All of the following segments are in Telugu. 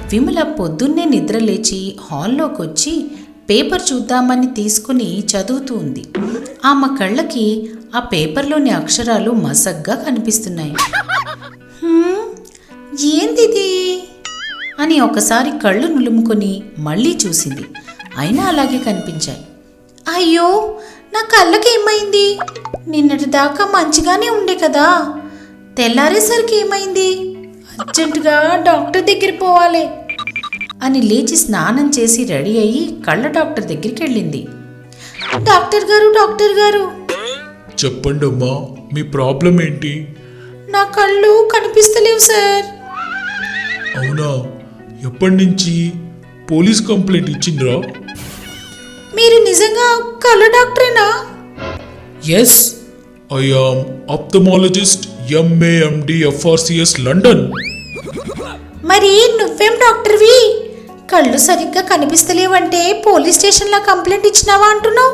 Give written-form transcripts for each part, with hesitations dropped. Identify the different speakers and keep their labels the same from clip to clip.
Speaker 1: విమల పొద్దున్నే నిద్రలేచి హాల్లోకొచ్చి పేపర్ చూద్దామని తీసుకుని చదువుతూ ఉంది. ఆమె కళ్ళకి ఆ పేపర్లోని అక్షరాలు మసగ్గా కనిపిస్తున్నాయి. ఏందిది అని ఒకసారి కళ్ళు నులుముకొని మళ్ళీ చూసింది. అయినా అలాగే కనిపించాయి. అయ్యో, నా కళ్ళకి ఏమైంది? నిన్నటి దాకా మంచిగానే ఉండే కదా, తెల్లారేసరికి ఏమైంది? అర్జెంటుగా డాక్టర్ దగ్గర పోవాలి అని లేచి స్నానం చేసి రెడీ అయ్యి కళ్ళ డాక్టర్ దగ్గరికి వెళ్ళింది. డాక్టర్ గారు
Speaker 2: చెప్పండి అమ్మా, మీ ప్రాబ్లం ఏంటి?
Speaker 1: నా కళ్ళు కనిపిస్తలేవు సార్.
Speaker 2: అవునా, ఎప్పటి నుంచి? పోలీస్ కంప్లైంట్ ఇచ్చిండ్రా?
Speaker 1: మీరు నిజంగా కళ్ళ డాక్టరేనా?
Speaker 2: Yes, I am ophthalmologist, MAMD FRCS London.
Speaker 1: మరి నువ్వేం డాక్టర్వి? కళ్ళు సరిగ్గా కనిపిస్తలేవంటే పోలీస్ స్టేషన్లో కంప్లైంట్ ఇచ్చినావా అంటున్నావు?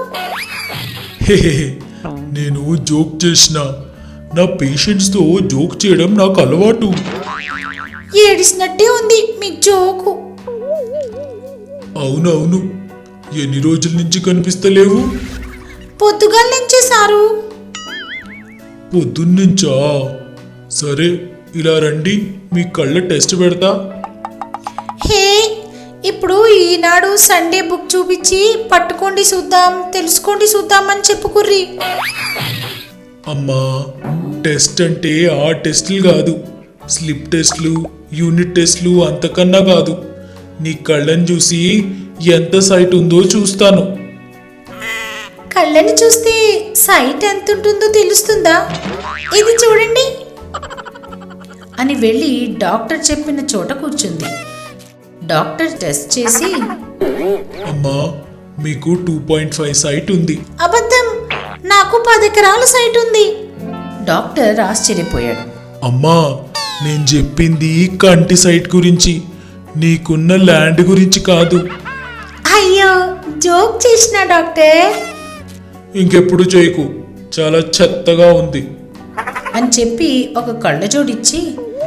Speaker 2: నేను జోక్ చేసిన. నా పేషెంట్స్తో జోక్ చేయడం నాకు అలవాటు.
Speaker 1: ఏడిసినట్టే ఉంది మీ జోకు.
Speaker 2: అవునవును, ఎన్ని రోజుల నుంచి కనిపిస్తలేవు?
Speaker 1: పొద్దుగాల నుంచే సారు.
Speaker 2: పొద్దున్నుంచా? సరే, ఇలా రండి, మీ కళ్ళ టెస్ట్ పెడతా.
Speaker 1: హే, ఇప్పుడు ఈనాడు సండే బుక్ చూపించి పట్టుకోండి చూద్దాం, తెలుసుకోండి చూద్దాం అని చెప్పుకుర్రి.
Speaker 2: అమ్మా, టెస్ట్ అంటే ఆ టెస్టులు కాదు, స్లిప్ టెస్ట్లు, యూనిట్ టెస్ట్లు అంతకన్నా కాదు. నీ కళ్ళని చూసి ఎంత సైట్ ఉందో చూస్తాను.
Speaker 1: కళ్ళని చూస్తే సైట్ ఎంత ఉంటుందో తెలుస్తుందా? ఇది చూడండి అని వెళ్ళి డాక్టర్ చెప్పిన చోట కూర్చుంది. డాక్టర్ టెస్ట్ చేసి,
Speaker 2: అమ్మా, మీకు 2.5 సైట్ ఉంది.
Speaker 1: అబద్ధం, నాకు 10 ఎకరాల సైట్ ఉంది. డాక్టర్ ఆశ్చర్యపోయాడు.
Speaker 2: అమ్మా, నేను చెప్పింది కంటి సైట్ గురించి, నీకున్న ల్యాండ్ గురించి కాదు.
Speaker 1: అయ్యో, జోక్ చేసిన డాక్టర్.
Speaker 2: ఇంకెప్పుడు చేయకు, చాలా చెత్తగా ఉంది
Speaker 1: అని చెప్పి ఒక కళ్ళజోడిచ్చి,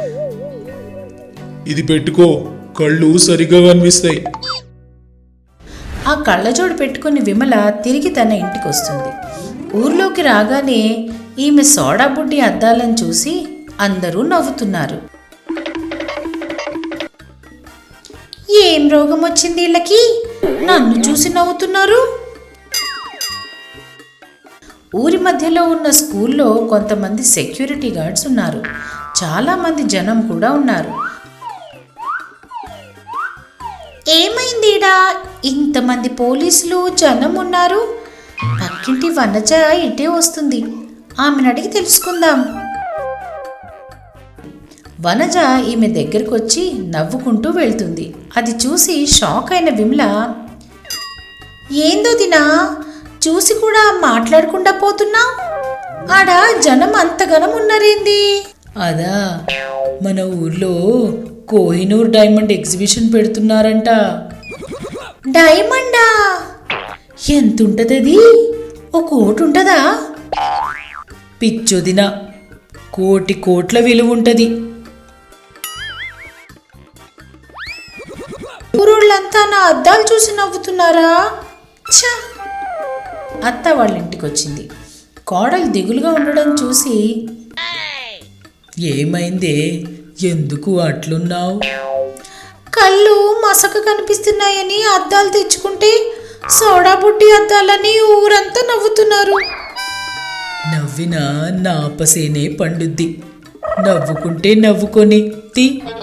Speaker 2: ఇది పెట్టుకో, కళ్ళు సరిగా కనిపిస్తాయి.
Speaker 1: ఆ కళ్ళజోడు పెట్టుకుని విమల తిరిగి తన ఇంటికి వస్తుంది. ఊర్లోకి రాగానే ఈమె సోడా బుడ్డి అద్దాలను చూసి అందరూ నవ్వుతున్నారు. ఏం రోగం వచ్చింది వీళ్ళకి? నన్ను చూసి నవ్వుతున్నారు. ఊరి మధ్యలో ఉన్న స్కూల్లో కొంతమంది సెక్యూరిటీ గార్డ్స్ ఉన్నారు. చాలామంది జనం కూడా ఉన్నారు. ఏమైందిడా, ఇంతమంది పోలీసులు జనం ఉన్నారు? పక్కింటి వనజ ఇటే వస్తుంది, ఆమెను అడిగి తెలుసుకుందాం. వనజ ఈమె దగ్గరకు వచ్చి నవ్వుకుంటూ వెళ్తుంది. అది చూసి షాక్ అయిన విమల, ఏందో దినా, చూసి కూడా మాట్లాడకుండా పోతున్నా? ఆడ జనం అంతగనం ఉన్నారేంది? అదా, మన ఊర్లో కోహినూర్ డైమండ్ ఎగ్జిబిషన్ పెడుతున్నారంట. డైమండా? ఎంతుంటది అది? 1 కోటి ఉంటదా? పిచ్చొదిన, 1 కోట్ల విలువ ఉంటది. ఊరోళ్ళంతా నా అద్దాలు చూసి నవ్వుతున్నారా? ఛ! అత్త వాళ్ళ ఇంటికి వచ్చింది. కోడలు దిగులుగా ఉండడం చూసి, ఏమైందే, ఎందుకు అట్లున్నావు? కళ్ళు మసక కనిపిస్తున్నాయని అద్దాలు తెచ్చుకుంటే సోడా బుడ్డి అద్దాలని ఊరంతా నవ్వుతున్నారు. నవ్వినా నాపసేనే పండుద్ది, నవ్వుకుంటే నవ్వుకొని తీ.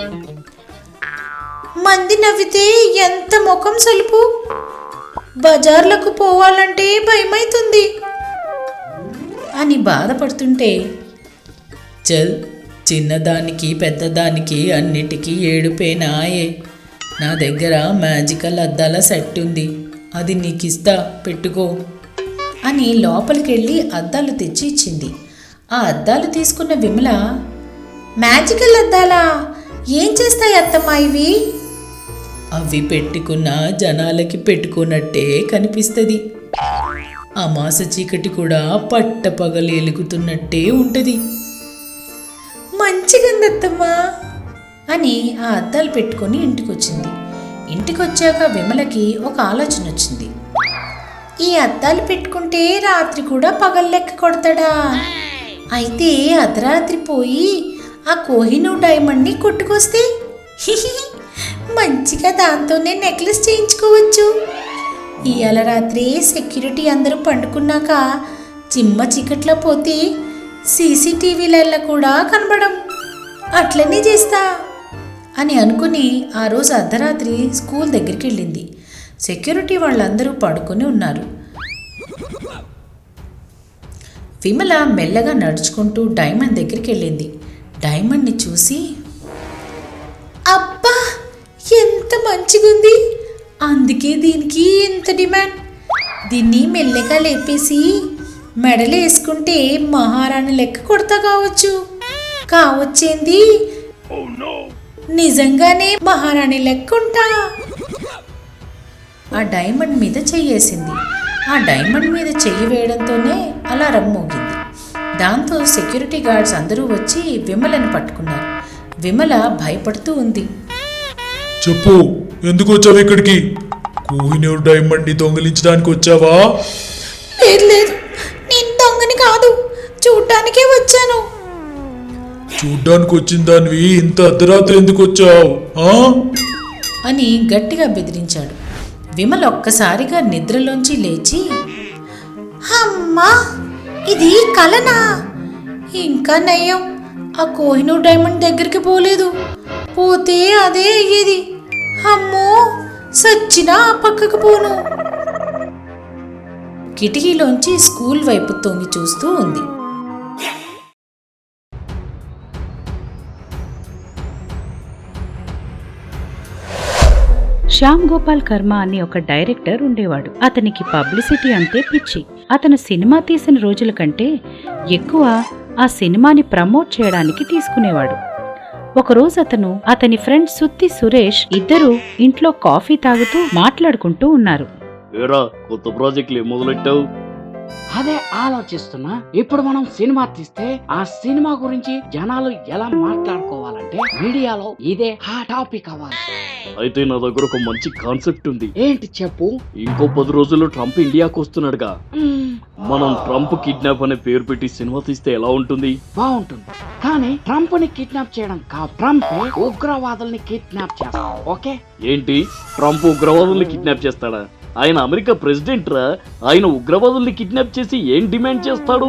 Speaker 1: మంది నవ్వితే ఎంత ముఖం సలుపు, బజార్లకు పోవాలంటే భయమైతుంది అని బాధపడుతుంటే, చల్, చిన్నదానికి పెద్దదానికి అన్నిటికీ ఏడుపేనాయే. నా దగ్గర మ్యాజికల్ అద్దాల సెట్ ఉంది, అది నీకిస్తా, పెట్టుకో అని లోపలికి వెళ్ళి అద్దాలు తెచ్చి ఇచ్చింది. ఆ అద్దాలు తీసుకున్న విమల, మ్యాజికల్ అద్దాలా? ఏం చేస్తాయి అత్తమ్మా ఇవి? అవి పెట్టుకున్న జనాలకి పెట్టుకున్నట్టే కనిపిస్తుంది. అమాస చీకటి కూడా పట్టపగలు ఎలుగుతున్నట్టే ఉంటుంది. మంచిగుందత్తమ్మా అని ఆ అద్దాలు పెట్టుకొని ఇంటికొచ్చింది. ఇంటికొచ్చాక విమలకి ఒక ఆలోచన వచ్చింది. ఈ అద్దాలు పెట్టుకుంటే రాత్రి కూడా పగల్లెక్క కొడతాడా? అయితే అర్ధరాత్రి పోయి ఆ కోహినూర్ డైమండ్ని కొట్టుకొస్తే మంచిగా దాంతోనే నెక్లెస్ చేయించుకోవచ్చు. ఇవాళ రాత్రి సెక్యూరిటీ అందరూ పండుకున్నాక చిమ్మ చీకట్లో పోతే సీసీటీవీలలో కూడా కనబడం. అట్లనే చేస్తా అని అనుకుని ఆ రోజు అర్ధరాత్రి స్కూల్ దగ్గరికి వెళ్ళింది. సెక్యూరిటీ వాళ్ళందరూ పడుకొని ఉన్నారు. విమల మెల్లగా నడుచుకుంటూ డైమండ్ దగ్గరికి వెళ్ళింది. డైమండ్ని చూసి, అబ్బా ఎంత మంచిగుంది, అందుకే దీనికి ఎంత డిమాండ్. దీన్ని మెల్లగా లేపేసి మెడలు వేసుకుంటే మహారాణి లెక్క కొడతా కావచ్చేంది, నిజంగానే మహారాణి లెక్క ఉంటా. ఆ డైమండ్ మీద చెయ్యేసింది. ఆ డైమండ్ మీద చెయ్యి వేయడంతోనే అలారం మోగింది. దాంతో సెక్యూరిటీ గార్డ్స్ అందరూ వచ్చి విమలను పట్టుకున్నారు. విమల భయపడుతూ ఉంది.
Speaker 2: చెప్పు, ఎందుకు వచ్చావు ఇక్కడికి? కోహినూర్ డైమండ్ ని దొంగిలించడానికి వచ్చావా?
Speaker 1: లేదు, నేను దొంగని కాదు, చూడ్డానికే వచ్చాను.
Speaker 2: చూడ్డానికి వచ్చిన దానివి ఇంత అర్ధరాత్రి ఎందుకు వచ్చావు
Speaker 1: అని గట్టిగా బెదిరించాడు. విమల ఒక్కసారిగా నిద్రలోంచి లేచి, అమ్మా ఇది కలనా? ఇంకా నయ్యం, ఆ కోహినూర్ డైమండ్ దగ్గరికి పోలేదు, పోతే అదే అయ్యేది. అమ్మో సచ్చినా ఆ పక్కకు పోను. కిటికీలోంచి స్కూల్ వైపు తొంగి చూస్తూ ఉంది.
Speaker 3: శ్యామ్ గోపాల్ కర్మ అనే ఒక డైరెక్టర్ ఉండేవాడు. అతనికి పబ్లిసిటీ అంటే పిచ్చి. అతను సినిమా తీసిన రోజుల కంటే ఎక్కువ ఆ సినిమాని ప్రమోట్ చేయడానికి తీసుకునేవాడు. ఒకరోజు అతని ఫ్రెండ్ సుత్తి సురేష్ ఇద్దరూ ఇంట్లో కాఫీ తాగుతూ మాట్లాడుకుంటూ ఉన్నారు.
Speaker 4: కొత్త ప్రాజెక్టులు మొదలెట్టావు?
Speaker 5: అదే ఆలోచిస్తున్నా. ఇప్పుడు మనం సినిమా తీస్తే ఆ సినిమా గురించి జనాలు ఎలా మాట్లాడుకోవాలంటే మీడియాలో ఇదే ఆ టాపిక్ అవ్వాలి.
Speaker 4: అయితే నా దగ్గర ఒక మంచి కాన్సెప్ట్ ఉంది.
Speaker 5: ఏంటి చెప్పు?
Speaker 4: ఇంకో 10 రోజుల్లో ట్రంప్ ఇండియాకు వస్తున్నాడుగా. మనం ట్రంప్ కిడ్నాప్ అనే పేరు పెట్టి సినిమా తీస్తే ఎలా ఉంటుంది?
Speaker 5: బాగుంటుంది. కానీ ట్రంప్ ని కిడ్నాప్ చేయడం కాదు, ట్రంప్ ఉగ్రవాదుల్ని కిడ్నాప్ చేస్తాం. ఓకే?
Speaker 4: ఏంటి, ట్రంప్ ఉగ్రవాదుల్ని కిడ్నాప్ చేస్తాడా? ఆయన అమెరికా ప్రెసిడెంట్ రా. ఆయన ఉగ్రవాదుల్ని కిడ్నాప్ చేసి ఏం డిమాండ్ చేస్తాడు?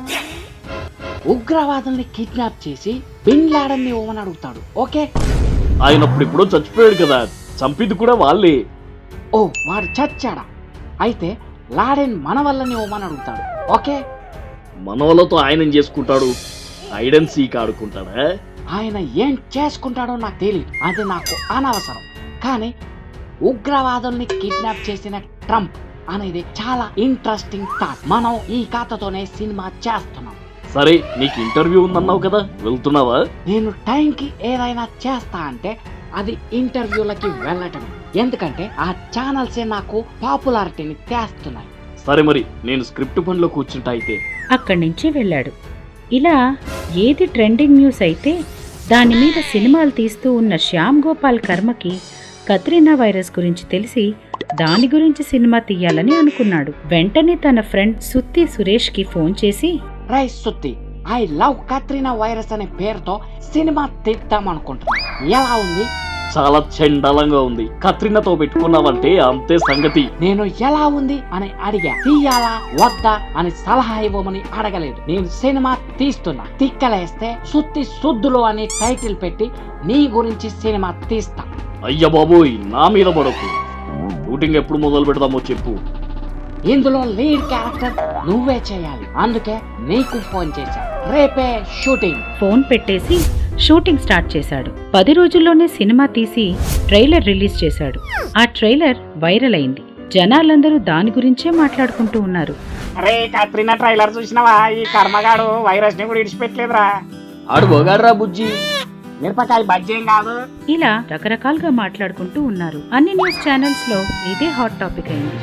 Speaker 5: ఉగ్రవాదుల్ని కిడ్నాప్ చేసి బిన్ లాడెన్ ని ఇవ్వమని అడుగుతాడు. ఓకే?
Speaker 4: ఆయన అప్పుడిప్పుడో చచ్చిపోయాడు కదా, చంపింది కూడా వాళ్ళే.
Speaker 5: ఓ, వాడు చచ్చాడా? అయితే లాడెన్ మన వల్లని ఇవ్వమని అడుగుతాడు. ఓకే?
Speaker 4: మన వాళ్ళతో ఆయన ఏం చేసుకుంటాడు? హైడ్ అండ్ సీక్ ఆడుకుంటాడా?
Speaker 5: ఆయన ఏం చేసుకుంటాడో నాకు తెలియదు, అది నాకు అనవసరం. కానీ ఉగ్రవాదుల్ని కిడ్నాప్ చేసిన ట్రంప్ అనేది చాలా ఇంట్రెస్టింగ్ థాట్. మనం ఈ కథతోనే సినిమా చేస్తున్నాం.
Speaker 4: సరే, నీకు ఇంటర్వ్యూ ఉందన్నావు కదా, వెళ్తున్నావా?
Speaker 5: నేను టైంకి ఏదైనా చేస్తా అంటే అది ఇంటర్వ్యూలకి వెళ్ళటమే. ఎందుకంటే ఆ ఛానల్సే నాకు పాపులారిటీని తెస్తున్నాయి.
Speaker 4: సరే మరి, నేను స్క్రిప్ట్ పనిలో కూర్చుంటా అయితే.
Speaker 3: అక్కడి నుంచి వెళ్ళాడు. ఇలా ఏది ట్రెండింగ్ న్యూస్ అయితే దాని మీద సినిమాలు తీస్తూ ఉన్న శ్యామ్ గోపాల్ కర్మకి కత్రినా వైరస్ గురించి తెలిసి దాని గురించి సినిమా తీయాలని అనుకున్నాడు. వెంటనే తన ఫ్రెండ్ సుత్తి సురేష్ కి ఫోన్ చేసి,
Speaker 5: రై సుత్తి, ఐ లవ్ కత్రినా వైరస్ అనే పేరుతో సినిమా తీద్దాం అనుకుంటున్నా, ఎలా ఉంది?
Speaker 4: చాలా చండాలంగా ఉంది. కత్రినాతో పెట్టుకున్నావంటే అంతే సంగతి.
Speaker 5: నేను ఎలా ఉంది అని అడిగా, తీయాలా వద్దా అని సలహా ఇవ్వమని అడగలేదు. నేను సినిమా తీస్తున్నా, తిక్కలేస్తే సుత్తి సుద్దులు అని టైటిల్ పెట్టి నీ గురించి సినిమా తీస్తా.
Speaker 4: అయ్య బాబోయ్, నా మీద పడకు. షూటింగ్ ఎప్పుడు మొదలు పెడదామో చెప్పు.
Speaker 5: ఇందులో లీడ్ క్యారెక్టర్ నువ్వే చేయాలి, అందుకే నీకు ఫోన్ చేశా. రేపే షూటింగ్.
Speaker 3: ఫోన్ పెట్టేసి షూటింగ్ స్టార్ట్ చేశాడు. 10 రోజుల్లోనే సినిమా తీసి ట్రైలర్ రిలీజ్ చేశాడు. ఆ ట్రైలర్ వైరల్ అయింది. జనాలందరూ దాని గురించే మాట్లాడుకుంటూ ఉన్నారు.
Speaker 6: అరే కత్రినా ట్రైలర్ చూసినావా? ఈ కర్మగాడు వైరస్ ని కూడా ఇడిచిపెట్టలేదురా.
Speaker 4: ఆడు బోగాడ్రా బుజ్జి,
Speaker 6: మిరపకాయ బజ్జేం కాదు.
Speaker 3: ఇలా రకరకాలుగా మాట్లాడుకుంటూ ఉన్నారు. అన్ని న్యూస్ ఛానల్స్ లో ఇదే హాట్ టాపిక్ అయింది.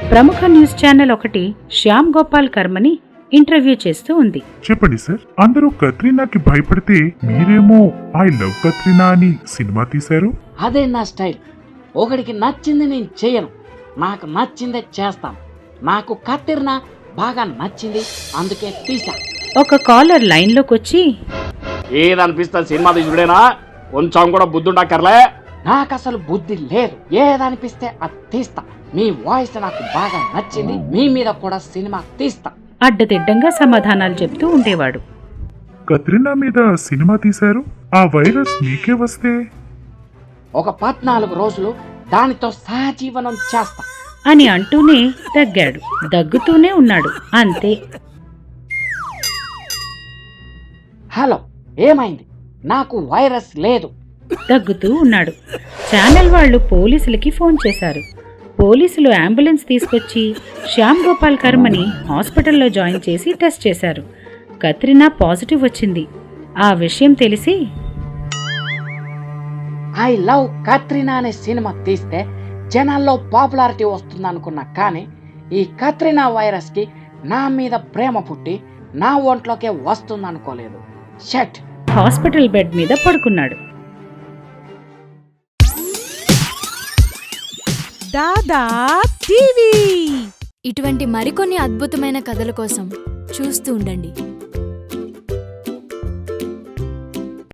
Speaker 3: ప్రముఖ న్యూస్ ఛానల్ ఒకటి శ్యామ్ గోపాల్ కర్మని ఇంటర్వ్యూ చేస్తూ ఉంది.
Speaker 7: చెప్పండి సార్, అందరూ కత్రినాకి భయపడితే మీరేమో ఐ లవ్ కత్రినా అని సినిమా తీశారు.
Speaker 5: అదే నా స్టైల్. ఒకడికి నచ్చింది నేను చేయను, నాకు నచ్చిందే చేస్తాను. నాకు కత్తిరినా బాగా నచ్చింది, అందుకే తీసా.
Speaker 3: ఒక కాలర్ లైన్లోకి వచ్చి,
Speaker 4: ఏదనిపిస్తా సినిమా తీసుడేనా? కొంచెం కూడా బుద్ధుండక్కర్లే.
Speaker 5: నాకు అసలు బుద్ధి లేదు, ఏదనిపిస్తే అది తీస్తా. మీ వాయిస్ నాకు బాగా నచ్చింది, మీ మీద కూడా సినిమా తీస్తా.
Speaker 3: అడ్డదిడ్డంగా సమాధానాలు చెప్తూ ఉండేవాడు.
Speaker 7: కత్రినా మీద సినిమా తీశారు, ఆ వైరస్ మీకే వస్తే
Speaker 5: ఒక 14 రోజులు దానితో సహజీవనం చేస్తా
Speaker 3: అని అంటూనే దగ్గాడు. దగ్గుతూనే ఉన్నాడు. అంతే.
Speaker 5: హలో, ఏమైంది? నాకు వైరస్ లేదు.
Speaker 3: దగ్గుతూ ఉన్నాడు. ఛానల్ వాళ్ళు పోలీసులకి ఫోన్ చేశారు. పోలీసులు అంబులెన్స్ తీసుకొచ్చి శ్యామ్ గోపాల్ కర్మని హాస్పిటల్లో జాయిన్ చేసి టెస్ట్ చేశారు. కత్రినా పాజిటివ్ వచ్చింది. ఆ విషయం తెలిసి,
Speaker 5: ఐ లవ్ కత్రినా అనే సినిమా తీస్తే జనాల్లో పాపులారిటీ వస్తుందనుకున్నా, కానీ ఈ కత్రినా వైరస్ కి నా మీద ప్రేమ పుట్టి నా ఒంట్లోకే వస్తుందనుకోలేదు. షట్.
Speaker 3: హాస్పిటల్ బెడ్ మీద పడుకున్నాడు.
Speaker 8: దాదా టీవీ
Speaker 9: ఇటువంటి మరికొన్ని అద్భుతమైన కథల కోసం చూస్తూ ఉండండి